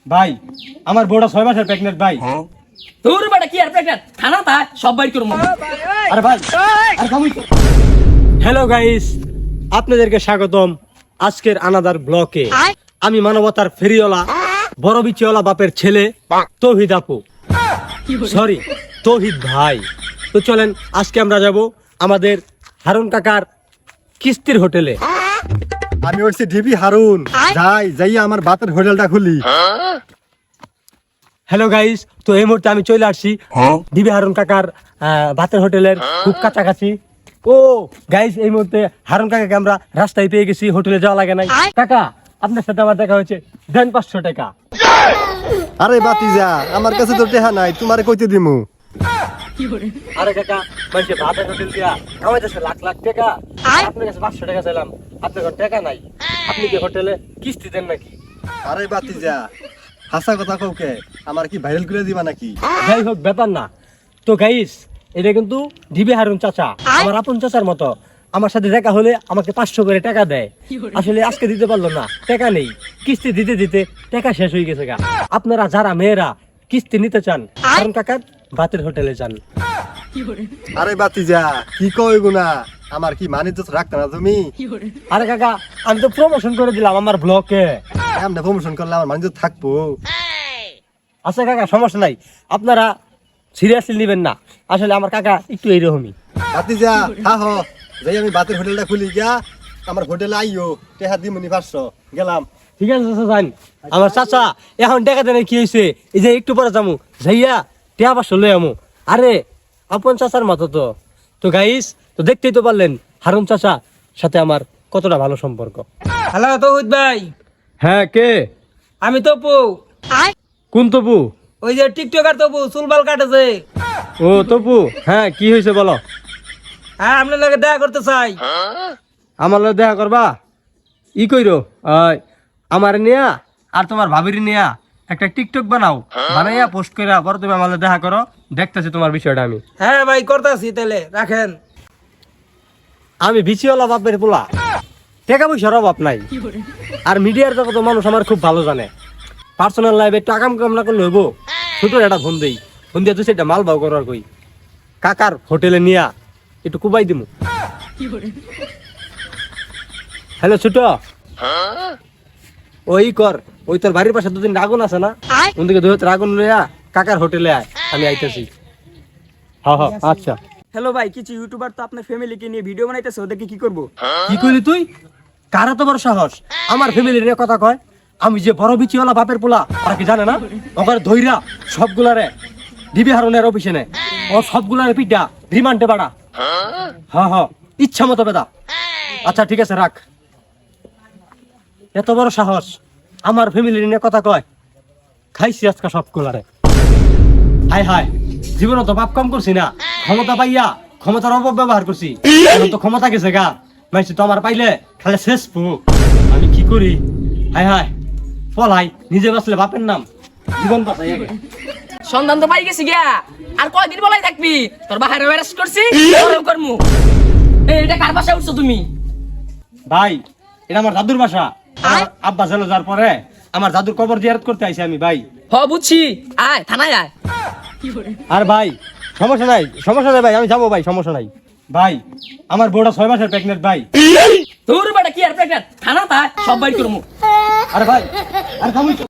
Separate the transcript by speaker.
Speaker 1: ভাই আমার বউটা 6 মাসের প্রেগন্যান্ট ভাই।
Speaker 2: তোর বেটা কি আর প্রেগন্যান্ট খানা তা সব বাইর করব।
Speaker 1: আরে ভাই আরে থামুই। হ্যালো গাইস, আপনাদেরকে স্বাগতম আজকের আনাদার ব্লকে। আমি মানবতার ফেরিওয়ালা বড় বিচিওয়ালা বাপের ছেলে তৌহিদ আপু, সরি তৌহিদ ভাই। তো চলেন আজকে আমরা যাব আমাদের হারুন কাকার কিস্তির হোটেলে।
Speaker 3: আমি হচ্ছি ডিবি হারুন, যাই আমার বাতের হোটেলটা খুলি।
Speaker 1: হ্যালো গাইস, তো এই মুহূর্তে আমি চলে আসছি ডিবি হারুন কাকার ভাতের হোটেলের খুব কাছাকাছি। ও গাইস, এই মুহূর্তে হারুন কাকাকে আমরা রাস্তায় পেয়ে গেছি, হোটেলে যাওয়া লাগে নাই। কাকা আপনার সাথে আমার দেখা হয়েছে, দেন 500 টাকা।
Speaker 3: আরে বাতিজা, আমার কাছে তো টেহা নাই, তোমারে কইতে দিমু।
Speaker 1: আরে কাকা, মানুষের ভাতের হোটেল দিয়া কামাইতেছে লাখ লাখ টাকা, আপনার কাছে 500 টাকা চাইলাম, আপনার কাছে টাকা নাই। আপনি কি হোটেলে কিস্তি দেন নাকি?
Speaker 3: আরে বাতিজা, হাসা কথা কওকে, আমার কি ভাইরাল করে দিবা নাকি?
Speaker 1: যাই হোক, ব্যাপার না। তো গাইস, এটা কিন্তু ডিবি হারুন চাচা, আমার আপন চাচার মতো। আমার সাথে দেখা হলে আমাকে 500 করে টাকা দেয়। আসলে আজকে দিতে পারলো না, টাকা নেই। কিস্তি দিতে দিতে টাকা শেষ হয়ে গেছে গা। আপনারা যারা মেয়েরা কিস্তি নিতে চান, হারুন কাকার ভাতের হোটেলে যান।
Speaker 3: আরে বাতিজা, কি কই গুনা, আমার কি মানিজ্য রাখতে না তুমি?
Speaker 1: আরে কাকা, আমি তো প্রমোশন করে দিলাম আমার ব্লগে।
Speaker 3: আমরা প্রমোশন করলে আমার মানিজ্য থাকবো?
Speaker 1: আচ্ছা কাকা, সমস্যা নাই, আপনারা সিরিয়াসলি নেবেন না। আসলে আমার কাকা একটু এইরকমই।
Speaker 3: বাতিজা হা হ, যাই আমি বাতের হোটেলটা খুলি গিয়া, আমার হোটেলে আইও, টেহা দিমুনি 500, গেলাম।
Speaker 1: ঠিক আছে চাচা, যান। আমার চাচা এখন টাকা দেন, কি হয়েছে? এই যে একটু পরে যামু, যাইয়া টেহা 500 লই আমু। আরে আপন চাচার মতো তো। তো গাইস, তো দেখতেই তো পারলেন হারুন চাচা সাথে আমার কতটা ভালো সম্পর্ক।
Speaker 2: হ্যালো তৌহিদ ভাই,
Speaker 1: হ্যাঁ, কে?
Speaker 2: আমি তপু।
Speaker 1: কোন তপু?
Speaker 2: ওই যে টিকটকার তপু, চুলবাল কাটেছে।
Speaker 1: ও তপু, হ্যাঁ কি হয়েছে বলো।
Speaker 2: হ্যাঁ, আপনার লগে দেখা করতে চাই।
Speaker 1: আমার লগে দেখা করবা? ই কইরো, আমার নিয়া আর তোমার ভাবির নিয়া একটা টিকটক বানাও, বানাইয়া পোস্ট কইরা পরে তুমি আমার লগে দেখা করো, দেখতেছি তোমার বিষয়টা আমি।
Speaker 2: হ্যাঁ ভাই, করতেছি, তাহলে রাখেন।
Speaker 1: আমি বিচিওয়ালা বাপের পোলা, টাকা পয়সার অভাব নাই। আর মিডিয়ার জগত মানুষ আমার খুব ভালো জানে। পার্সোনাল লাইফে টাকা কাম না করলে হইব, ছোট একটা ফোন দেই, ফোন দিয়ে তুই সেটা মাল বাউ করার কই কাকার হোটেলে নিয়া একটু কুবাই দিমু। হ্যালো ছোট, ওই কর, ওই তোর বাড়ির পাশে দুদিন আগুন আছে না, ওদিকে দুই হাতে আগুন লইয়া কাকার হোটেলে আয়, আমি আইতেছি। হ্যাঁ হ্যাঁ, আচ্ছা।
Speaker 2: হ্যালো ভাই, কিছু ইউটিউবার তো আপনার ফ্যামিলিকে নিয়ে ভিডিও বানাইতেছে, ওদেরকে কি করব?
Speaker 1: কি কইলি তুই? কার এত বড় সাহস আমার ফ্যামিলির নিয়ে কথা কয়? আমি যে বড় বিচিওয়ালা বাপের পোলা, ওরা কি জানে না? ওখানে ধইরা সবগুলারে ডিবি হারুনের অফিসে নেয়, ও সবগুলারে পিটা রিমান্ডে বাড়া। হ্যাঁ হ্যাঁ, ইচ্ছা মতো বেদা। আচ্ছা ঠিক আছে, রাখ। এত বড় সাহস আমার ফ্যামিলির নিয়ে কথা কয়? খাইছি আজকে সবগুলারে। হায় হায়, জীবনে তো পাপ কম করছি না, ক্ষমতা পাইয়া ক্ষমতার অপব্যবহার করছি। এখন তো ক্ষমতা গেছে গা, মাইছি তো আমার পাইলে খালি শেষ পু। আমি কি করি? হায় হায়, পলাই নিজে বাঁচলে বাপের নাম, জীবন বাঁচাই আগে।
Speaker 2: সন্ধান তো পাই গেছি গিয়া, আর কয়দিন বলাই থাকবি? তোর বাহারে অ্যারেস্ট করছি, ওরও করমু। এটা কার বাসায় উঠছো তুমি?
Speaker 1: ভাই, এটা আমার দাদুর বাসা। আমার আব্বা চলে যাওয়ার পরে আমার দাদুর কবর জিয়ারত করতে আইছি আমি ভাই।
Speaker 2: হ বুঝছি, আয় থানায় আয়।
Speaker 1: আর ভাই সমস্যা নাই, সমস্যা নাই ভাই, আমি যাবো ভাই, সমস্যা নাই। ভাই আমার বউটা 6 মাসের প্রেগন্যান্ট ভাই।
Speaker 2: তোর বেটা কি আর প্রেগন্যান্ট খানা তা সব বাইর করমু।
Speaker 1: আরে ভাই, আরে থামুই।